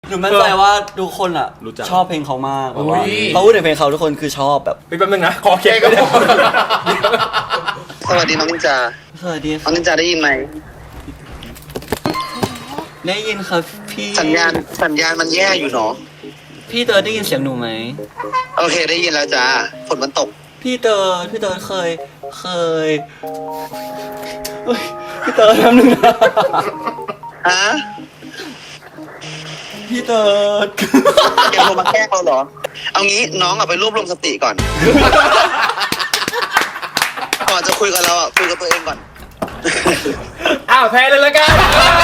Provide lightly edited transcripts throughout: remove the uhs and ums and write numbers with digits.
หนูมั่นใจว่าทุกคนอ่ะชอบเพลงเขามากแบบว่าเขาพูดถึงเพลงเขาทุกคนคือชอบแบบแป๊บนึงนะขอเค้กก็ได้สวัสดีน้องนินจาสวัสดีน้องนินจาได้ยินไหมได้ยินครับพี่สัญญาณมันแย่อยู่เนาะพี่เติร์ดได้ยินเสียงหนูไหมโอเคได้ยินแล้วจ้าฝนมันตกพี่เติร์ดเคยเฮ้ยพี่เติร์ดทำหนึ่งนะฮะพี่เติร์ดแกโทรมาแกล้งเราเหรอ เอางี้น้องไปรวบรวมสติก่อน ก่อนจะคุยกับเราคุยกับตัวเองก่อนอ้าวแพ้เลยละกัน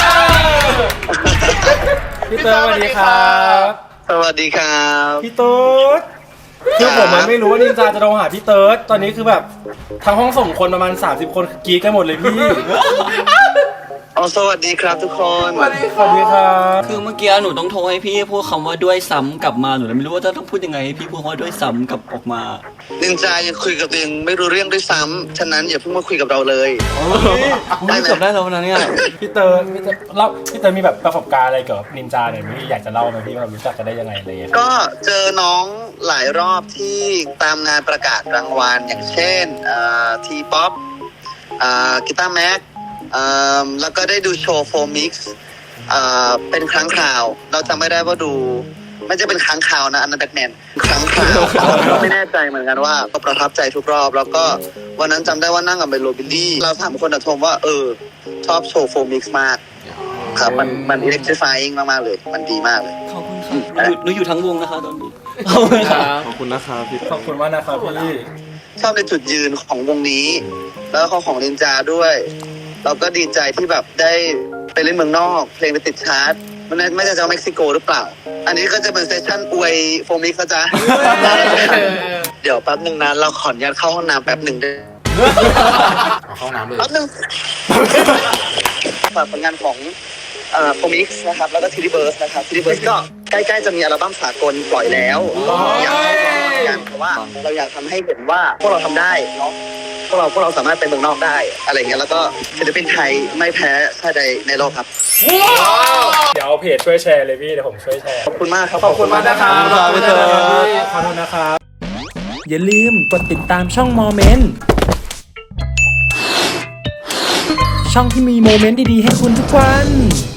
พี่เติร์ดสวัสดีครับสวัสดีครับพี่เติร์ดคือผมมันไม่รู้ว่านินจาจะโทรหาพี่เติร์ดตอนนี้คือแบบทั้งห้องส่งคนประมาณ30คนกรี๊ดกันหมดเลยพี่สวัสดีครับทุกคนสวัสดีครับคือเมื่อกี้หนูต้องโทรให้พี่พูดคำว่าด้วยซ้ำกลับมาหนูเลยไม่รู้ว่าจะต้องพูดยังไงให้พี่พูดว่าด้วยซ้ำกลับออกมานินจายังคุยกับตัวเองไม่รู้เรื่องด้วยซ้ำฉะนั้นอย่าเพิ่งมาคุยกับเราเลยได้เกือบได้แล้วนะเนี่ยพี่เติร์ดมีแบบประสบการณ์อะไรเกี่ยวกับนินจาหน่อยไหมพี่อยากจะเล่าไหมพี่ว่าเรารู้จักกันได้ยังไงอะไรอย่างเงี้ยก็เจอน้องหลายรอบที่ตามงานประกาศรางวัลอย่างเช่นทีป๊อปกีตาร์แม็กแล้วก็ได้ดูโชว์โฟมิกซ์เป็นครั้งคราวเราจำไม่ได้ว่าดูไม่จะเป็นครั้งคราวนะอันนั้นแบทแมนครั้งคราวไม่แน่ใจเหมือนกันว่าก็ประทับใจทุกรอบแล้วก็วันนั้นจำได้ว่านั่งกับเบลโลบิลลี่เราถามคนชมว่าชอบโชว์โฟมิกซ์มากครับมันอิเล็กทริฟายมากๆเลยมันดีมากเลยขอบคุณค่ะหนูอยู่ทั้งวงนะคะตอนนี้ขอบคุณค่ะขอบคุณนะครับพี่ขอบคุณมากนะครับพี่ชอบในจุดยืนของวงนี้ แล้วก็ของนินจาด้วยเราก็ดีใจที่แบบได้ไปเล่นเมืองนอกเพลงไปติดชาร์ตมันไม่ใช่จากเม็กซิโกหรือเปล่าอันนี้ก็จะเป็นเซสชั่นอวยโฟมิกนะจ๊ะเดี๋ยวแป๊บหนึ่งนะเราขออนุญาตเข้าห้องน้ำแป๊บหนึ่งได้เข้าน้ำเลยแป๊บหนึ่งฝากผลงานของโฟมิกนะครับแล้วก็ทีดีเบิร์สนะครับทีดีเบิร์สก็ใกล้ๆจะมีอัลบั้มสากลปล่อยแล้วอยากให้ฟังกันเพราะว่าเราอยากทำให้เห็นว่าพวกเราทำได้เนาะพวกเราสามารถไปเมืองนอกได้อะไรเงี้ยแล้วก็ศิลปินไทยไม่แพ้ชาติใดในโลกครับเดี๋ยวเอาเพจช่วยแชร์เลยพี่เดี๋ยวผมช่วยแชร์ขอบคุณมากครับขอบคุณมากนะครับขอบคุณครับขอบคุณนะครับอย่าลืมกดติดตามช่องโมเมนต์ช่องที่มีโมเมนต์ดีๆให้คุณทุกวัน